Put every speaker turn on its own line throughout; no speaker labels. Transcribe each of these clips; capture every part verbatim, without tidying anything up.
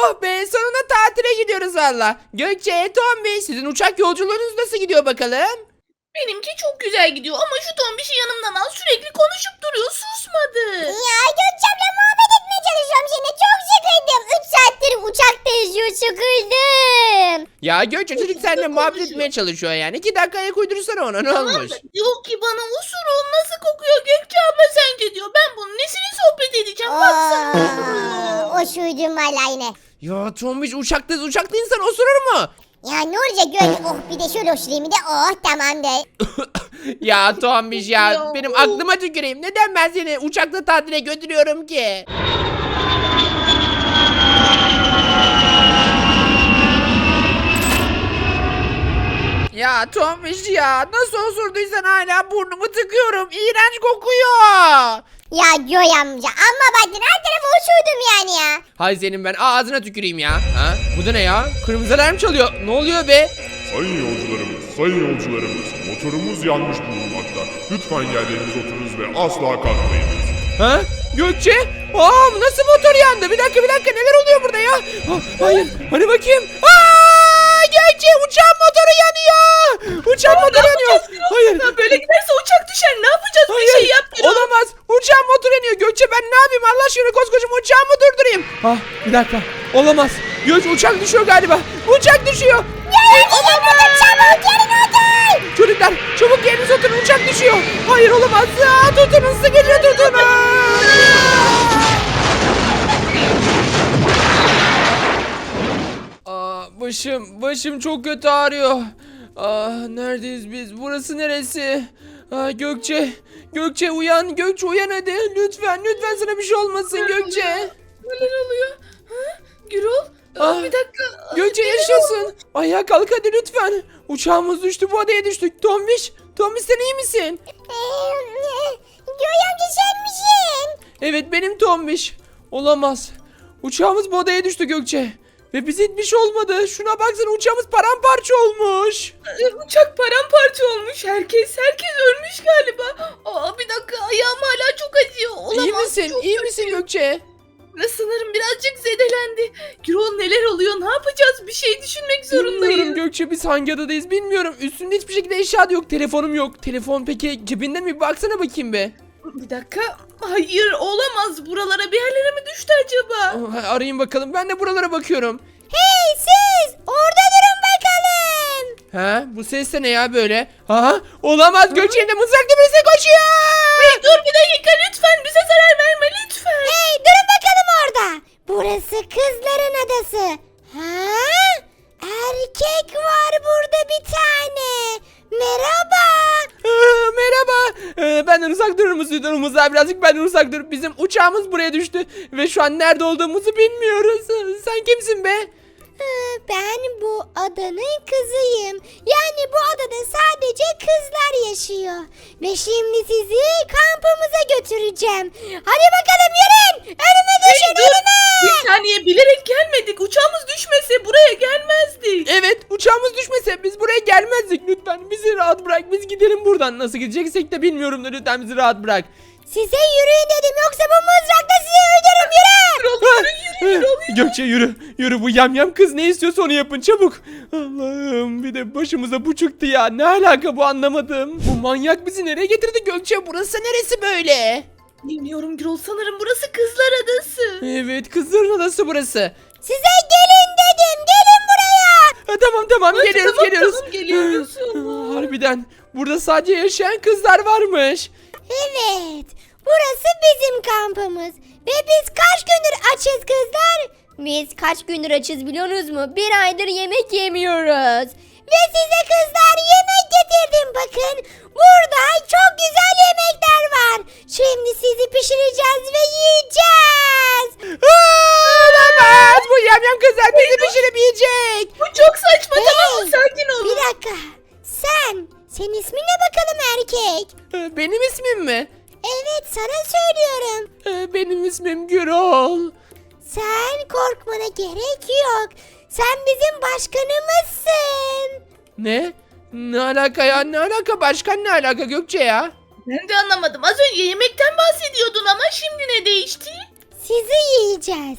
Oh be, sonunda tatile gidiyoruz valla. Gökçe, Tombiş, sizin uçak yolculuğunuz nasıl gidiyor bakalım?
Benimki çok güzel gidiyor ama şu tombişi yanımdan al, sürekli konuşup duruyor, susmadı.
Ya Gökçem'le muhabbet etmeye çalışıyorum şimdi. Çok sıkıldım. üç saattir uçakta yüzüyor, sıkıldım.
Ya Gökçe, çocuk seninle
Nasıl
muhabbet
konuşuyor?
etmeye çalışıyor yani. İki dakika ayak uydursana ona, ne
Tamam
olmuş?
da diyor ki bana osurun nasıl kokuyor Gökçe abla sence diyor. Ben bunun nesini sohbet edeceğim baksana.
Aa, o şuydum valla yine.
Ya Tombiş, uçakta uçakta insan osurur mu?
Ya ne olacak Gök? Oh bir de şöyle osurayım bir de oh tamamdır.
Ya Tombiş ya,
Ya,
benim
of.
aklıma tüküreyim. Neden ben seni uçakta tatile götürüyorum ki? Ya Tombiş ya, nasıl osurduysan hala burnumu tıkıyorum. İğrenç kokuyor.
Ya Göy amca amma baktın her tarafa osurdum yani ya.
Hay senin, ben ağzına tüküreyim ya. Ha? Bu da ne ya? Kırmızı alarm çalıyor. Ne oluyor be?
Sayın yolcularımız, sayın yolcularımız, motorumuz yanmış bulunmakta. Lütfen yerlerinize oturunuz ve asla kalkmayınız.
Ha? Gökçe? Aa, nasıl motor yandı? Bir dakika bir dakika, neler oluyor burada ya? Ah, hayır, hani bakayım. Aa, Gökçe, uçağın motoru yanıyor. Uçağın motoru yanıyor. Hayır.
Ya böyle giderse uçak düşer, ne yapacağız, bir
Hayır,
şey yap Gürol.
olamaz. Uçağın motoru yanıyor. Gökçe, ben ne yapayım? Allah aşkına koskoca uçağı mı durdurayım? Ah, bir dakika. Olamaz. Gökçe, uçak düşüyor galiba. Uçak düşüyor.
Olamaz. Çabuk yerine otur.
Çocuklar, çabuk yerinize oturun, uçak düşüyor. Hayır, olamaz. Aa, tutunun, sıkıca tutunun. Aa, başım, başım çok kötü ağrıyor. Aa, neredeyiz biz? Burası neresi? Aa, Gökçe, Gökçe uyan, Gökçe uyan hadi. Lütfen, lütfen sana bir şey olmasın Gökçe.
Neler oluyor? Ha? Gürol? Aa,
Ah,
bir dakika.
Gökçe
Neler
yaşasın. Ayağa kalk hadi lütfen. Uçağımız düştü, bu adaya düştük. Tombiş, Tombiş sen iyi misin?
Ee, Göy amca sen misin?
Evet, benim Tombiş. Olamaz. Uçağımız bu adaya düştü Gökçe. Ve bize hiçbir şey olmadı. Şuna baksana, uçağımız paramparça olmuş.
Ee, Uçak paramparça olmuş. Herkes herkes ölmüş galiba. Aa, bir dakika, ayağım hala çok acıyor. Olamaz.
iyi misin?
çok
İyi
kötü.
misin Gökçe?
Ve sanırım birazcık zedelendi. Gürol neler oluyor? Ne yapacağız? Bir şey düşünmek zorundayız.
Bilmiyorum Gökçe, biz hangi adadayız bilmiyorum. Üstünde hiçbir şekilde eşya da yok. Telefonum yok. Telefon peki cebinde mi? Bir baksana bakayım be.
Bir dakika. Hayır, olamaz. Buralara bir yerlere mi düştü acaba?
Aa, arayayım bakalım. Ben de buralara bakıyorum.
Hey siz orada durun bakalım.
Ha? Bu ses de ne ya böyle? Ha? Olamaz. Gökçe, elinde mızraklı birisi koşuyor.
Hey, dur bir dakika lütfen. Bize zarar verme lütfen.
Hey durun bakalım orada. Burası kızların adası. Ha? Erkek var burada bir tane. Merhaba.
Aa, merhaba. Ee, benden uzak durur musun? Durumuzdan birazcık benden uzak dur. Bizim uçağımız buraya düştü. Ve şu an nerede olduğumuzu bilmiyoruz. Ee, Sen kimsin be?
Ee, Ben bu adanın kızıyım. Yani bu adada sadece kızlar yaşıyor. Ve şimdi sizi kampımıza götüreceğim. Hadi bakalım yürüyün. Önüme düşün
Dur.
önüme.
Bir saniye, bilerek gelmedik. Uçağımız düşmese buraya gelmezdik.
Evet, uçağımız düşmese biz buraya gelmezdik. Lütfen bizi rahat bırak. Biz gidelim buradan. Nasıl gideceksek de bilmiyorum da lütfen bizi rahat bırak.
Size yürüyün dedim yoksa bu mızrakla sizi öldürürüm yürü.
Gürol yürü yürü Gürol yürü.
Gökçe yürü. Yürü, bu yamyam kız ne istiyorsa onu yapın çabuk. Allah'ım, bir de başımıza bu çıktı ya. Ne alaka bu, anlamadım. Bu manyak bizi nereye getirdi Gökçe? Burası neresi böyle?
Bilmiyorum Gürol, sanırım burası kızlar adası.
Evet, kızların adası burası.
Size gelin dedim gelin buraya.
Ha, tamam tamam,
Hadi,
geliyoruz
tamam,
geliyoruz.
tamam, geliyoruz.
Ha, Harbiden burada sadece yaşayan kızlar varmış.
Evet burası bizim kampımız. Ve biz kaç gündür açız kızlar? Biz kaç gündür açız biliyorsunuz mu? Bir aydır yemek yemiyoruz. Ve size kızlar yemek getirdim bakın. Burada çok güzel yemekler var. Şimdi sizi pişireceğiz ve yiyeceğiz.
Aa, olamaz, bu yamyam kızlar bizi pişirip yiyecek.
Bu çok saçma, tamam mı?
Hey,
Sakin olun.
Bir dakika. Sen, senin ismin ne bakalım erkek?
Ha, Benim ismim mi?
Evet sana söylüyorum.
Ha, Benim ismim Gürol.
Sen korkmana gerek yok. Sen bizim başkanımızsın.
Ne? Ne alaka ya? Ne alaka? Başkan ne alaka Gökçe ya?
Ben de anlamadım. Az önce yemekten bahsediyordun ama şimdi ne değişti?
Sizi yiyeceğiz.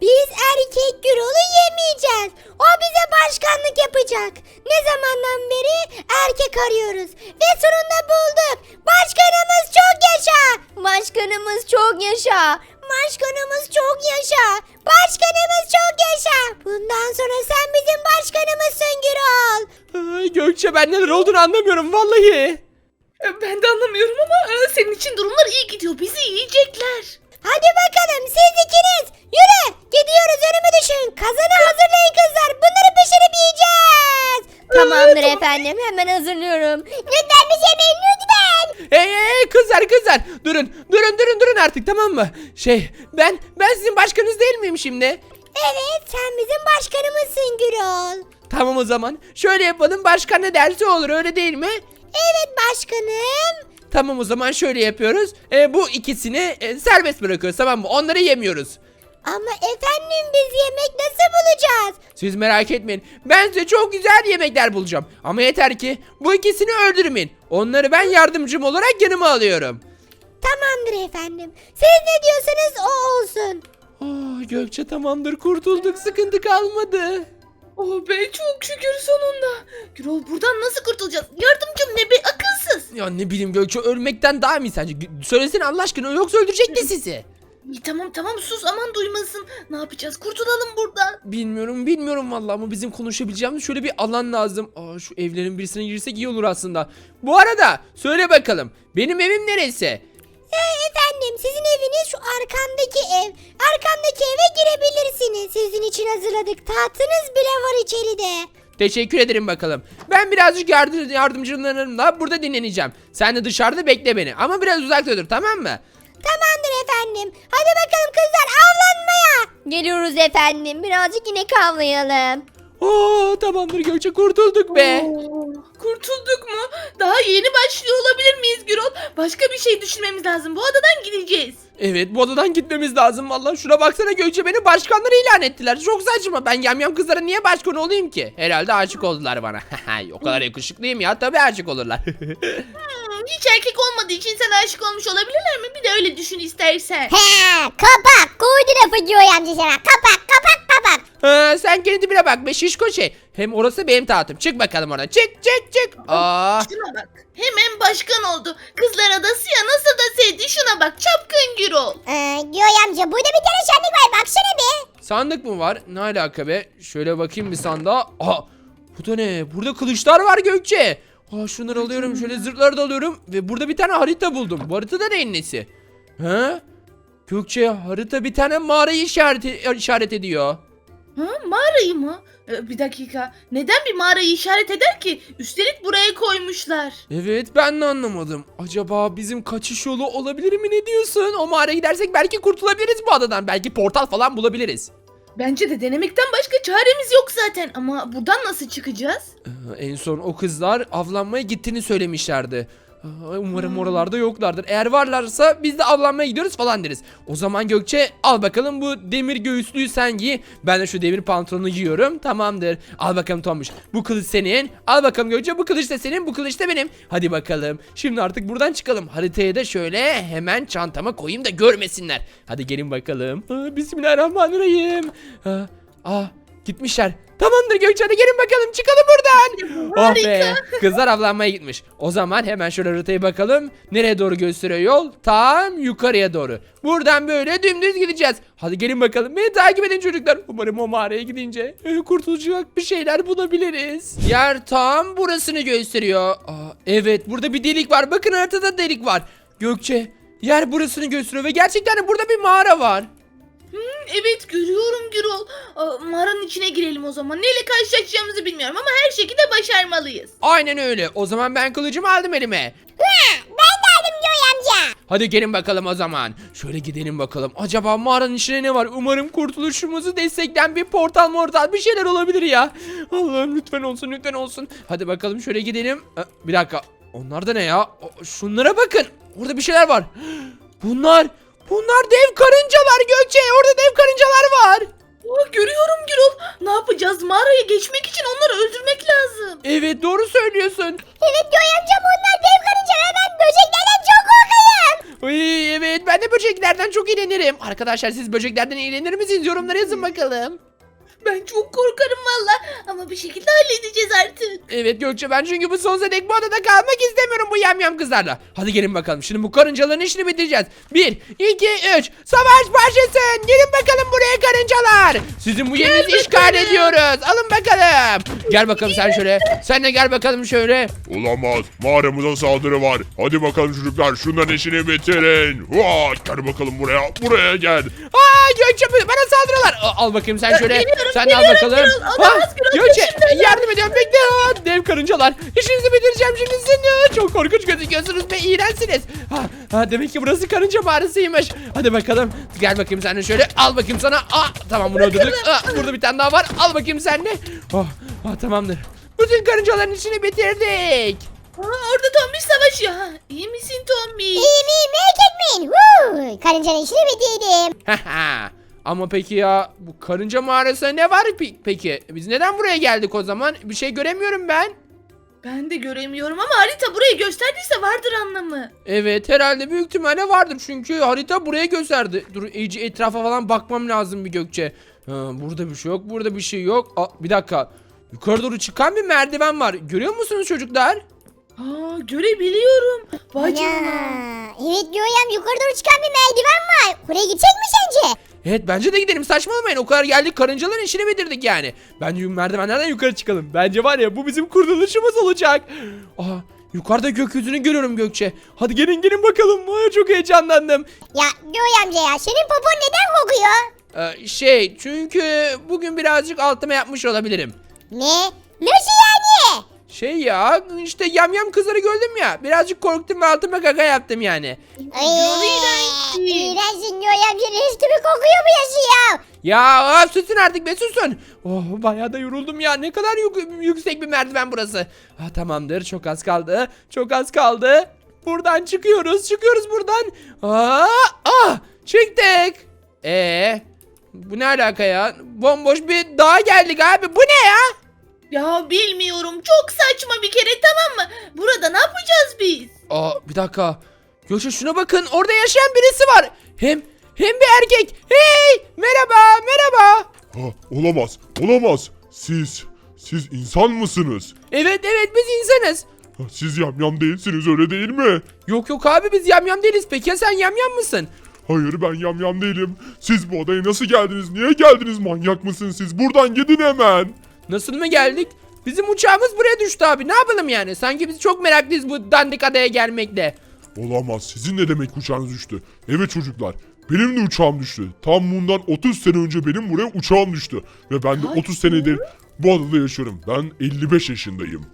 Biz erkek Gürol'u yemeyeceğiz. O bize başkanlık yapacak. Ne zamandan beri erkek arıyoruz. Ve sonunda bulduk. Başkanımız çok yaşa. Başkanımız çok yaşa. Başkanımız çok yaşa. Başkanımız çok yaşa. Bundan sonra sen bizim başkanımızsın Gürol.
Ay, Gökçe ben neler olduğunu anlamıyorum vallahi.
E, Ben de anlamıyorum ama e, senin için durumlar iyi gidiyor. Bizi yiyecekler.
Hadi bakalım siz ikiniz. Yürü gidiyoruz önümü düşün. Kazanı hazırlayın kızlar. Bunları pişirip yiyeceğiz. Tamamdır efendim hemen hazırlıyorum. Lütfen bir yemeyin lütfen.
Hey hey hey, kızlar kızlar durun durun durun durun artık tamam mı? Şey ben ben sizin başkanınız değil miyim şimdi?
Evet sen bizim başkanımızsın Gürol.
Tamam o zaman şöyle yapalım, başkan ne derse olur, öyle değil mi?
Evet başkanım.
Tamam o zaman şöyle yapıyoruz. E, bu ikisini e, serbest bırakıyoruz tamam mı? Onları yemiyoruz.
Ama efendim biz yemek nasıl bulacağız?
Siz merak etmeyin. Ben size çok güzel yemekler bulacağım. Ama yeter ki bu ikisini öldürmeyin. Onları ben yardımcım olarak yanıma alıyorum.
Tamamdır efendim. Siz ne diyorsanız o olsun.
Oh, Gökçe tamamdır, kurtulduk, sıkıntı kalmadı.
Oh be çok şükür sonunda. Gürol buradan nasıl kurtulacağız? Yardımcım ne be akılsız.
Ya ne bileyim Gökçe, ölmekten daha mı iyi sence? Söylesene Allah aşkına, yoksa öldürecek de sizi.
İyi, tamam tamam sus aman duymasın. Ne yapacağız? Kurtulalım buradan.
Bilmiyorum bilmiyorum vallahi ama bizim konuşabileceğimiz şöyle bir alan lazım. Aa, şu evlerin birisine girsek iyi olur aslında. Bu arada söyle bakalım, benim evim neresi?
Ee, efendim sizin eviniz şu arkamdaki ev. Arkamdaki eve girebilirsiniz. Sizin için hazırladık. Tahtınız bile var içeride.
Teşekkür ederim bakalım. Ben birazcık yardım, yardımcılarımla burada dinleneceğim. Sen de dışarıda bekle beni ama biraz uzakta dur, tamam mı?
Tamamdır efendim. Hadi bakalım kızlar avlanmaya. Geliyoruz efendim. Birazcık inek avlayalım.
Oo, tamamdır Gökçe, kurtulduk be.
Oo, kurtulduk mu? Daha yeni başlıyor olabilir miyiz Gürol? Başka bir şey düşünmemiz lazım. Bu adadan gideceğiz.
Evet, bu odadan gitmemiz lazım vallahi. Şuna baksana Gökçe, beni başkanları ilan ettiler. Çok saçma. Ben yamyam kızlara niye başkan olayım ki? Herhalde aşık oldular bana. O kadar yakışıklıyım ya, tabii aşık olurlar.
Hmm, hiç erkek olmadığı için sana aşık olmuş olabilirler mi? Bir de öyle düşün istersen.
He, kapak. Koydu lafı diyor amca sana. Kapak, kapak, kapak.
Ha, sen kendi dibine bak be şişko şey. Hem orası benim tahtım. Çık bakalım oradan. Çık çık çık. Aa.
Şuna bak. Hemen başkan oldu. Kızlar adası ya nasıl da sevdi. Şuna bak çapkın Gürol.
Ee, diyor amca burada bir tane şenlik var. Baksana bir.
Sandık mı var? Ne alaka be? Şöyle bakayım bir sandığa. Aha. Bu da ne? Burada kılıçlar var Gökçe. Aa, şunları alıyorum. Şöyle zırhları da alıyorum. Ve burada bir tane harita buldum. Bu harita neyin nesi? He? Gökçe, harita bir tane mağarayı işaret, işaret ediyor.
Ha, mağarayı mı? Ee, bir dakika. Neden bir mağarayı işaret eder ki? Üstelik buraya koymuşlar.
Evet, ben de anlamadım. Acaba bizim kaçış yolu olabilir mi, ne diyorsun? O mağaraya gidersek belki kurtulabiliriz bu adadan. Belki portal falan bulabiliriz.
Bence de denemekten başka çaremiz yok zaten. Ama buradan nasıl çıkacağız?
Ee, en son o kızlar avlanmaya gittiğini söylemişlerdi. Aa, umarım oralarda yoklardır. Eğer varlarsa biz de avlanmaya gidiyoruz falan deriz. O zaman Gökçe, al bakalım bu demir göğüslüğü sen giy. Ben de şu demir pantolonu giyiyorum. Tamamdır. Al bakalım Tomuş. Bu kılıç senin. Al bakalım Gökçe, bu kılıç da senin. Bu kılıç da benim. Hadi bakalım. Şimdi artık buradan çıkalım. Haritaya da şöyle hemen çantama koyayım da görmesinler. Hadi gelin bakalım. Aa, Bismillahirrahmanirrahim. Aa, aa, gitmişler. Tamamdır Gökçe, hadi gelin bakalım, çıkalım buradan. Oh be, kızlar avlanmaya gitmiş. O zaman hemen şöyle haritaya bakalım. Nereye doğru gösteriyor yol? Tam yukarıya doğru. Buradan böyle dümdüz gideceğiz. Hadi gelin bakalım, beni takip edin çocuklar. Umarım o mağaraya gidince e, kurtulacak bir şeyler bulabiliriz. Yer tam burasını gösteriyor. Aa, evet, burada bir delik var. Bakın haritada delik var. Gökçe, yer burasını gösteriyor ve gerçekten de burada bir mağara var.
Evet görüyorum Gürol. Aa, mağaranın içine girelim o zaman. Neyle karşılaşacağımızı bilmiyorum ama her şekilde başarmalıyız.
Aynen öyle. O zaman ben kılıcımı aldım elime.
Ben de aldım diyor amca.
Hadi gelin bakalım o zaman. Şöyle gidelim bakalım. Acaba mağaranın içine ne var? Umarım kurtuluşumuzu destekleyen bir portal mortal bir şeyler olabilir ya. Allah'ım lütfen olsun, lütfen olsun. Hadi bakalım şöyle gidelim. Aa, bir dakika. Onlar da ne ya? O, şunlara bakın. Orada bir şeyler var. Bunlar, bunlar dev karıncalar Gökçe. Orada dev karıncalar var.
Aa, görüyorum Gürol. Ne yapacağız? Mağaraya geçmek için onları öldürmek lazım.
Evet, doğru söylüyorsun.
Evet diyor amca bunlar dev karıncalar. Ben böceklerden çok korkarım.
Uy, evet ben de böceklerden çok iğrenirim. Arkadaşlar siz böceklerden iğrenir misiniz? Yorumlara yazın bakalım.
Ben çok korkarım valla. Ama bir şekilde halledeceğiz artık.
Evet Gökçe ben çünkü bu sonsuza dek bu adada kalmak istemiyorum bu yamyam kızlarla. Hadi gelin bakalım şimdi bu karıncaların işini bitireceğiz. Bir, iki, üç. Savaş başlasın. Gelin bakalım buraya karıncalar. Sizin bu yerinizi işgal
bakalım.
ediyoruz. Alın bakalım. Gel bakalım sen şöyle. Sen de gel bakalım şöyle.
Olamaz. Mağaramıza saldırı var. Hadi bakalım çocuklar şunların işini bitirin. Vaa, gel bakalım buraya. Buraya gel.
Aa Gökçe bana saldırıyorlar. Aa, al bakayım sen şöyle.
geliyorum,
Sen de al
geliyorum,
bakalım.
Gürol. Olamaz, Gürol,
Gökçe
peşimdeler.
yardım ediyorum bekle. Aa, dev karıncalar. İşinizi bitireceğim şimdi sizin. Çok korkunç gözüküyorsunuz ve iğrençsiniz. Ha, ha, demek ki burası karınca mağarasıymış. Hadi bakalım. Gel bakayım sen de şöyle. Al bakayım sana. Aa, tamam bunu öldürdük. Aa, burada bir tane daha var. Al bakayım sen de. Oh, ah, tamamdır. Bütün karıncaların işini bitirdik.
Aa, orada Tombiş savaşıyor. Ha, iyi misin Tombiş?
İyiyim iyiyim merak etmeyin. Woo! Karıncanın işini bitirdim.
Haha. Ama peki ya bu karınca mağarasında ne var pe- peki? Biz neden buraya geldik o zaman? Bir şey göremiyorum ben.
Ben de göremiyorum ama harita burayı gösterdiyse vardır anlamı.
Evet herhalde büyük ihtimalle vardır çünkü harita buraya gösterdi. Dur iyice etrafa falan bakmam lazım bir Gökçe. Ha, burada bir şey yok, burada bir şey yok. Aa, bir dakika. Yukarı doğru çıkan bir merdiven var. Görüyor musunuz çocuklar?
Aa, görebiliyorum. Vay
Ya,
canına.
evet Göğem yukarı doğru çıkan bir merdiven var. Oraya gidecek mi sence?
Evet bence de gidelim saçmalamayın o kadar geldik karıncaların işini bitirdik yani. Bence merdivenlerden yukarı çıkalım. Bence var ya bu bizim kurtuluşumuz olacak. Aha yukarıda gökyüzünü görüyorum Gökçe. Hadi gelin gelin bakalım. Ay, çok heyecanlandım.
Ya Göğe amca ya senin popon neden kokuyor?
Ee, şey çünkü bugün birazcık altıma yapmış olabilirim.
Ne? Nasıl yani?
Şey ya işte yamyam kızları gördüm ya. Birazcık korktum ve altıma kaka yaptım yani.
Ay,
iğrençsin.
İğrençsin Göğe amca resmi kokuyor bu yaşı ya.
Ya of, susun artık be susun. Oh bayağı da yoruldum ya. Ne kadar yük- yüksek bir merdiven burası. Ha, tamamdır çok az kaldı. Çok az kaldı. Buradan çıkıyoruz. Çıkıyoruz buradan. Aa, ah, çıktık. Ee, bu ne alaka ya? Bomboş bir dağa geldik abi. Bu ne ya?
Ya bilmiyorum. Çok saçma bir kere, tamam mı? Burada ne yapacağız biz?
Aa bir dakika. Gökçe şuna bakın. Orada yaşayan birisi var. Hem hem bir erkek. Hey merhaba merhaba.
Ha, olamaz. Olamaz. Siz, siz insan mısınız?
Evet evet biz insanız.
Ha, siz yamyam değilsiniz öyle değil mi?
Yok yok abi biz yamyam değiliz. Peki ya sen yamyam mısın?
Hayır ben yamyam değilim. Siz bu odaya nasıl geldiniz? Niye geldiniz? Manyak mısınız siz? Buradan gidin hemen.
Nasıl mı geldik? Bizim uçağımız buraya düştü abi. Ne yapalım yani? Sanki biz çok meraklıyız bu dandik adaya gelmekle.
Olamaz. Sizin ne demek uçağınız düştü? Evet çocuklar. Benim de uçağım düştü. Tam bundan otuz sene önce benim buraya uçağım düştü. Ve ben de otuz senedir bu adada yaşıyorum. Ben elli beş yaşındayım.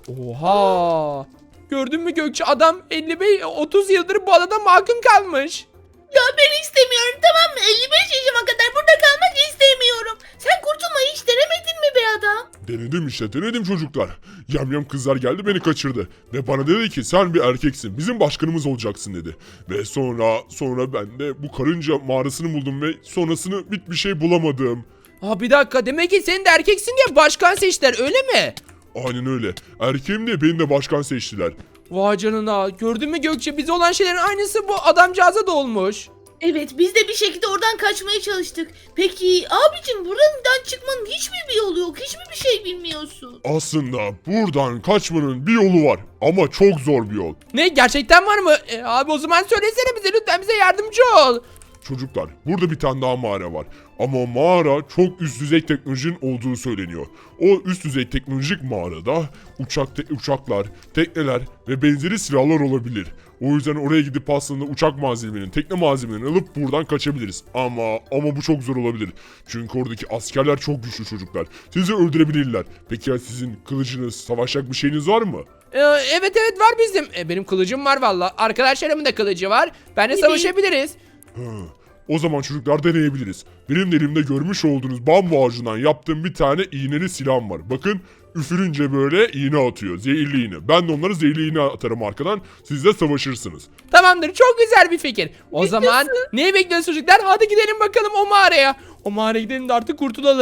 Oha! Gördün mü Gökçe adam elli beş otuz yıldır bu adada mahkum kalmış.
Ya ben istemiyorum, tamam mı? elli beş yaşıma kadar burada kalmak istemiyorum. Sen kurtulmayı hiç denemedin mi be adam?
Denedim işte denedim çocuklar. Yamyam kızlar geldi beni kaçırdı. Ve bana dedi ki sen bir erkeksin bizim başkanımız olacaksın dedi. Ve sonra sonra ben de bu karınca mağarasını buldum ve sonrasını bit bir şey bulamadım.
Aa bir dakika demek ki sen de erkeksin diye başkan seçtiler öyle mi?
Aynen öyle. Erkeğim diye beni de başkan seçtiler.
Vay canına gördün mü Gökçe bize olan şeylerin aynısı bu adamcağıza da olmuş.
Evet, biz de bir şekilde oradan kaçmaya çalıştık. Peki abicim, buradan çıkmanın hiç mi bir yolu yok? Hiç mi bir şey bilmiyorsun?
Aslında buradan kaçmanın bir yolu var ama çok zor bir yol.
Ne gerçekten var mı? E, abi o zaman söylesene bize lütfen bize yardımcı ol.
Çocuklar burada bir tane daha mağara var. Ama o mağara çok üst düzey teknolojinin olduğu söyleniyor. O üst düzey teknolojik mağarada uçak te- uçaklar, tekneler ve benzeri silahlar olabilir. O yüzden oraya gidip aslında uçak malzemelerini, tekne malzemelerini alıp buradan kaçabiliriz. Ama ama bu çok zor olabilir. Çünkü oradaki askerler çok güçlü çocuklar. Sizi öldürebilirler. Peki ya sizin kılıcınız, savaşacak bir şeyiniz var mı?
Ee, evet evet var bizim. E, benim kılıcım var valla. Arkadaşlarımın da kılıcı var. Benle savaşabiliriz.
Hı. O zaman çocuklar deneyebiliriz. Benim de elimde görmüş olduğunuz bambu ağacından yaptığım bir tane iğneli silahım var. Bakın üfürünce böyle iğne atıyor. Zehirli iğne. Ben de onları zehirli iğne atarım arkadan. Siz de savaşırsınız.
Tamamdır çok güzel bir fikir. O zaman neyi bekliyoruz çocuklar? Hadi gidelim bakalım o mağaraya. O mağaraya gidelim de artık kurtulalım.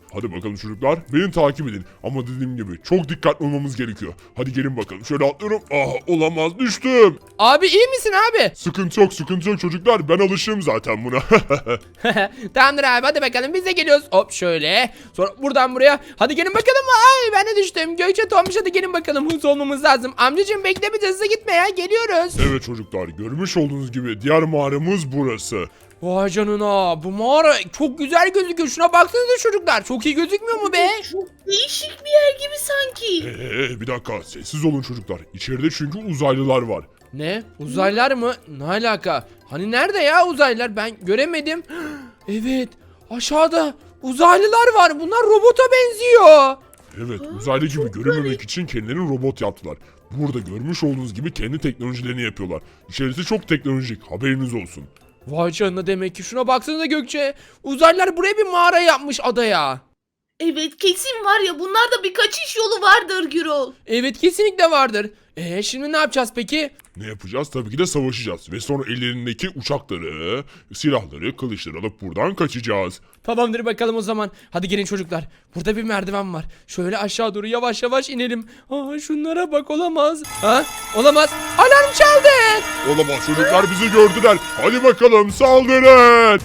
Hadi bakalım çocuklar, beni takip edin. Ama dediğim gibi çok dikkatli olmamız gerekiyor. Hadi gelin bakalım, şöyle atlıyorum. Ah, olamaz, düştüm.
Abi iyi misin abi?
Sıkıntı yok, sıkıntı yok çocuklar. Ben alışığım zaten buna.
Tamamdır abi, hadi bakalım biz de geliyoruz. Hop şöyle. Sonra buradan buraya. Hadi gelin bakalım. Ay ben de düştüm. Gökçe Tombiş, hadi gelin bakalım. Hızlı olmamız lazım. Amcacığım bekle, biz hızlı gitme ya. Geliyoruz.
Evet çocuklar, görmüş olduğunuz gibi diğer mağaramız burası.
Vay canına, bu mağara çok güzel gözüküyor. Şuna baksanıza çocuklar. Çok iyi gözükmüyor mu be?
Çok değişik bir yer gibi sanki.
Ee, bir dakika, sessiz olun çocuklar. İçeride çünkü uzaylılar var.
Ne? Uzaylılar mı? Ne alaka? Hani nerede ya uzaylılar? Ben göremedim. Evet, aşağıda uzaylılar var. Bunlar robota benziyor.
Evet, uzaylı gibi görünmemek için kendilerini robot yaptılar. Burada görmüş olduğunuz gibi kendi teknolojilerini yapıyorlar. İçerisi çok teknolojik, haberiniz olsun.
Vay canına, demek ki şuna baksanıza Gökçe. Uzaylılar buraya bir mağara yapmış adaya.
Evet kesin var ya, bunlarda bir kaçış yolu vardır Gürol.
Evet, kesinlikle vardır. Eee şimdi ne yapacağız peki?
Ne yapacağız? Tabii ki de savaşacağız. Ve sonra ellerindeki uçakları, silahları, kılıçları alıp buradan kaçacağız.
Tamamdır bakalım o zaman. Hadi gelin çocuklar. Burada bir merdiven var. Şöyle aşağı doğru yavaş yavaş inelim. Aa, şunlara bak, olamaz. Ha? Olamaz. Alarm çaldı.
Olamaz, çocuklar bizi gördüler. Hadi bakalım, saldırın.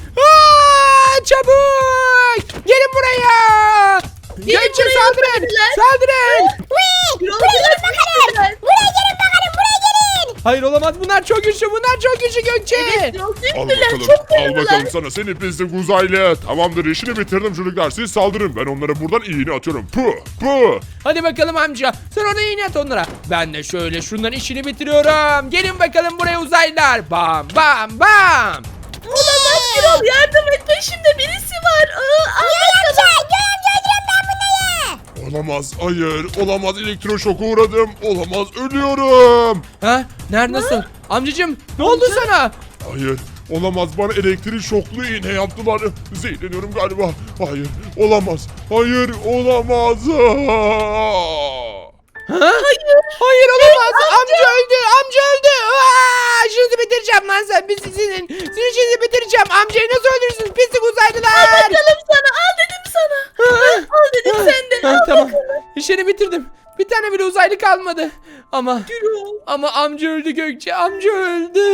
Aa, çabuk. Gelin buraya. Gökçe
buraya,
saldırın.
buradakiler.
Saldırın.
Gürol
Buraya
biraz
gelin bakalım.
güçlüler.
Buraya gelin bakalım, buraya gelin.
Hayır olamaz, bunlar çok güçlü. Bunlar çok güçlü Gökçe.
Gürol
Al
güçlüler,
bakalım,
çok
al bakalım
fırladılar.
sana seni pislik uzaylı. Tamamdır, işini bitirdim çocuklar. Siz saldırın, ben onlara buradan iğne atıyorum. Puh, puh.
Hadi bakalım amca. Sen orada iğne at onlara. Ben de şöyle şunların işini bitiriyorum. Gelin bakalım buraya uzaylılar. Bam bam bam.
Olamaz Gürol, yardım et, peşimde birisi var. Aa, al
Göğe amca, Göğe amca öldürüyorum ben bunları.
Olamaz, hayır, olamaz, elektroşoka uğradım. Olamaz, ölüyorum.
Ha? Nerede, nasıl? Amcacım ne oldu sana?
Hayır, olamaz, bana elektrik şoklu iğne yaptılar. Zehirleniyorum galiba. Hayır, olamaz, hayır, olamaz.
Ha? Hayır. Hayır olamaz. amca öldü. Amca öldü. Aa, işinizi bitireceğim lan sen. Biz sizin. Sizin işinizi bitireceğim. Amcayı nasıl öldürürsünüz? Pislik uzaylılar.
bakalım sana, al dedim sana. Al dedim sen de,
Ha,
al
tamam.
bakalım.
İşini bitirdim. Bir tane bile uzaylı kalmadı. Ama
Gürol.
ama amca öldü Gökçe. Amca öldü.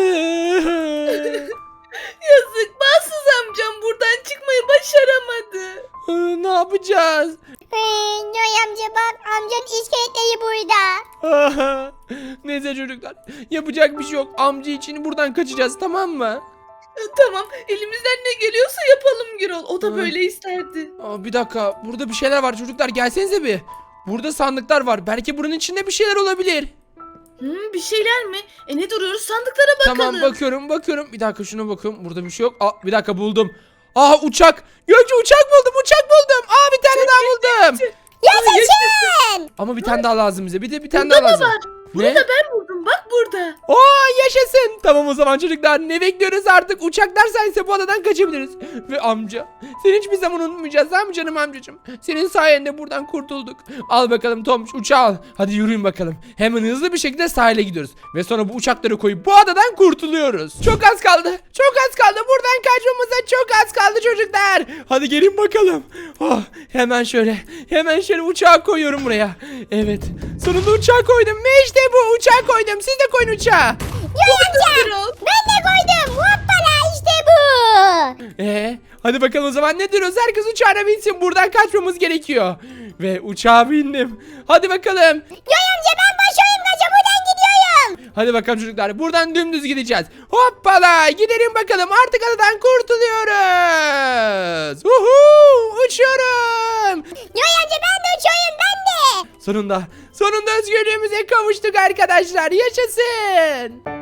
Yazık, bahtsız amcam buradan çıkmayı başaramadı.
Ee, ne yapacağız?
Hey, Göğe amca bak, amcanın iskeletleri burada.
Neyse çocuklar. Yapacak bir şey yok. Amca için buradan kaçacağız, tamam mı?
Tamam, elimizden ne geliyorsa yapalım Gürol. O da
Hı.
böyle isterdi.
Aa, bir dakika. Burada bir şeyler var çocuklar. Gelsenize bir. Burada sandıklar var. Belki bunun içinde bir şeyler olabilir.
Hmm, bir şeyler mi? E ne duruyoruz, sandıklara bakalım.
Tamam, bakıyorum bakıyorum. Bir dakika şuna bakıyorum. Burada bir şey yok. Aa, bir dakika buldum. Aa, uçak. Gökçe uçak buldum. Uçak buldum. Aa, bir tane daha buldum.
Yaşasın.
Ama bir tane daha lazım bize. Bir de bir tane
Burada
daha
da
lazım.
var. Bunu
Ne?
da ben buldum, bak burada.
Oo, yaşasın. Tamam o zaman çocuklar, ne bekliyoruz artık? Uçaklar sayesinde bu adadan kaçabiliriz. Ve amca, seni hiçbir zaman unutmayacağız, tamam mı canım amcacığım? Senin sayende buradan kurtulduk. Al bakalım Tomuş, uçağı al. Hadi yürüyün bakalım. Hemen hızlı bir şekilde sahile gidiyoruz. Ve sonra bu uçakları koyup bu adadan kurtuluyoruz. Çok az kaldı. Çok az kaldı. Buradan kaçmamıza çok az kaldı çocuklar. Hadi gelin bakalım. Oh, hemen şöyle. Hemen şöyle uçağı koyuyorum buraya. Evet. Sonunda uçağı koydum. Ve işte bu uçağı koydum. Siz de koyun uçağı.
Göğe
Gürol.
amca, ben de koydum. Hoppala, işte bu.
Ee, hadi bakalım o zaman ne diyoruz? Herkes uçağına binsin. Buradan kaçmamız gerekiyor. Ve uçağa bindim. Hadi bakalım.
Göğe amca ben başarayım kaça, buradan gidiyorum.
Hadi bakalım çocuklar. Buradan dümdüz gideceğiz. Hoppala. Gidelim bakalım. Artık adadan kurtuluyoruz. Uhu, uçuyorum.
Göğe amca ben de uçuyorum, ben de.
Sonunda. Sonunda özgürlüğümüze kavuştuk arkadaşlar. Yaşasın.